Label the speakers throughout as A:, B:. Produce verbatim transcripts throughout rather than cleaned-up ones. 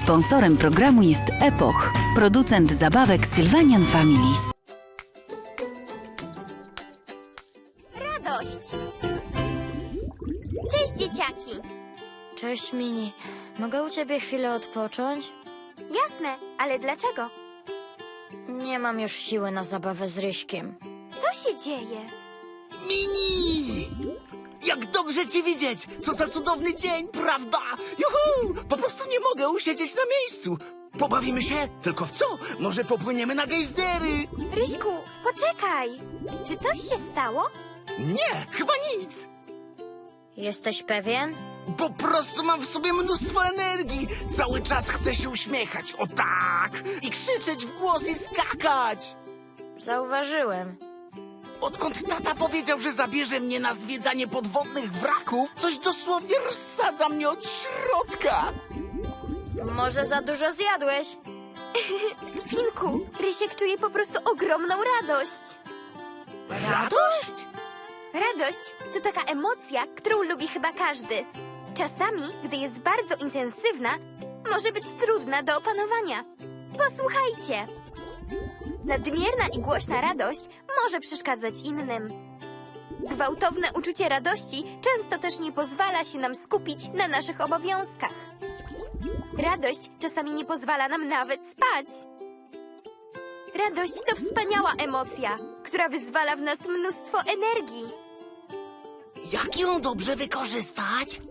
A: Sponsorem programu jest Epoch, producent zabawek Sylvanian Families.
B: Radość! Cześć, dzieciaki!
C: Cześć, Mini. Mogę u ciebie chwilę odpocząć?
B: Jasne, ale dlaczego?
C: Nie mam już siły na zabawę z Ryśkiem.
B: Co się dzieje?
D: Mini! Jak dobrze cię widzieć! Co za cudowny dzień, prawda? Juhu! Po prostu nie mogę usiedzieć na miejscu. Pobawimy się? Tylko w co? Może popłyniemy na gejzery?
B: Ryśku, poczekaj! Czy coś się stało?
D: Nie, chyba nic.
C: Jesteś pewien?
D: Po prostu mam w sobie mnóstwo energii. Cały czas chcę się uśmiechać, o tak! I krzyczeć w głos i skakać.
C: Zauważyłem.
D: Odkąd tata powiedział, że zabierze mnie na zwiedzanie podwodnych wraków, coś dosłownie rozsadza mnie od środka.
C: Może za dużo zjadłeś?
B: Finku, Rysiek czuje po prostu ogromną radość.
D: Radość?
B: Radość to taka emocja, którą lubi chyba każdy. Czasami, gdy jest bardzo intensywna, może być trudna do opanowania. Posłuchajcie. Nadmierna i głośna radość może przeszkadzać innym. Gwałtowne uczucie radości często też nie pozwala się nam skupić na naszych obowiązkach. Radość czasami nie pozwala nam nawet spać. Radość to wspaniała emocja, która wyzwala w nas mnóstwo energii.
D: Jak ją dobrze wykorzystać?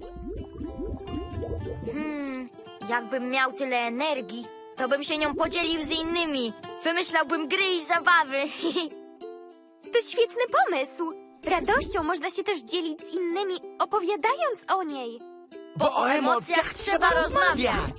C: Hmm, jakbym miał tyle energii, to bym się nią podzielił z innymi. Wymyślałbym gry i zabawy.
B: To świetny pomysł. Radością można się też dzielić z innymi, opowiadając o niej.
D: Bo o emocjach trzeba rozmawiać.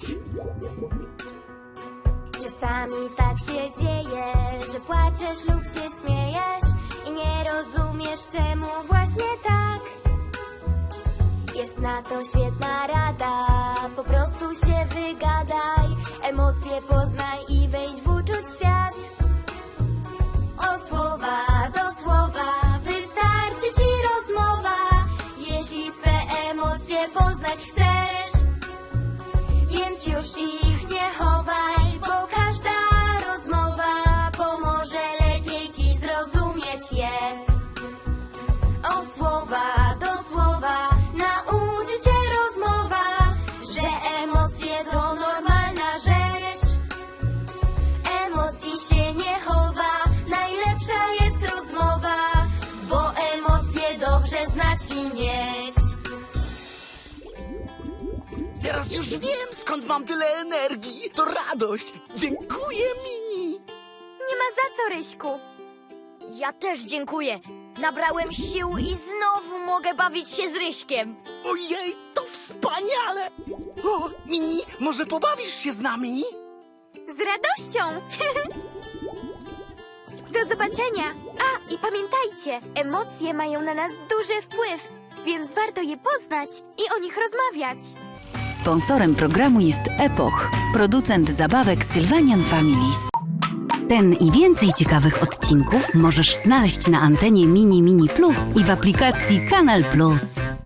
B: Czasami tak się dzieje, że płaczesz lub się śmiejesz i nie rozumiesz, czemu właśnie tak. Jest na to świetna rada, po prostu się wygadaj, emocje poznaj i wejdź w uczuć świat. Od słowa do słowa wystarczy ci rozmowa, jeśli swe emocje poznać chcesz, więc już ich nie chowaj, bo każda rozmowa pomoże lepiej ci zrozumieć je. Od słowa do słowa nauczy cię rozmowa, że emocje to normalna rzecz. Emocji się nie chowa, najlepsza jest rozmowa, bo emocje dobrze znać i mieć.
D: Teraz już wiem, skąd mam tyle energii. To radość. Dziękuję, Mini.
B: Nie ma za co, Ryśku.
C: Ja też dziękuję. Nabrałem sił i znowu mogę bawić się z Ryśkiem.
D: Ojej, to wspaniale. O, Mini, może pobawisz się z nami?
B: Z radością! Do zobaczenia! A, i pamiętajcie, emocje mają na nas duży wpływ, więc warto je poznać i o nich rozmawiać.
A: Sponsorem programu jest Epoch, producent zabawek Sylvanian Families. Ten i więcej ciekawych odcinków możesz znaleźć na antenie Mini Mini Plus i w aplikacji Kanal Plus.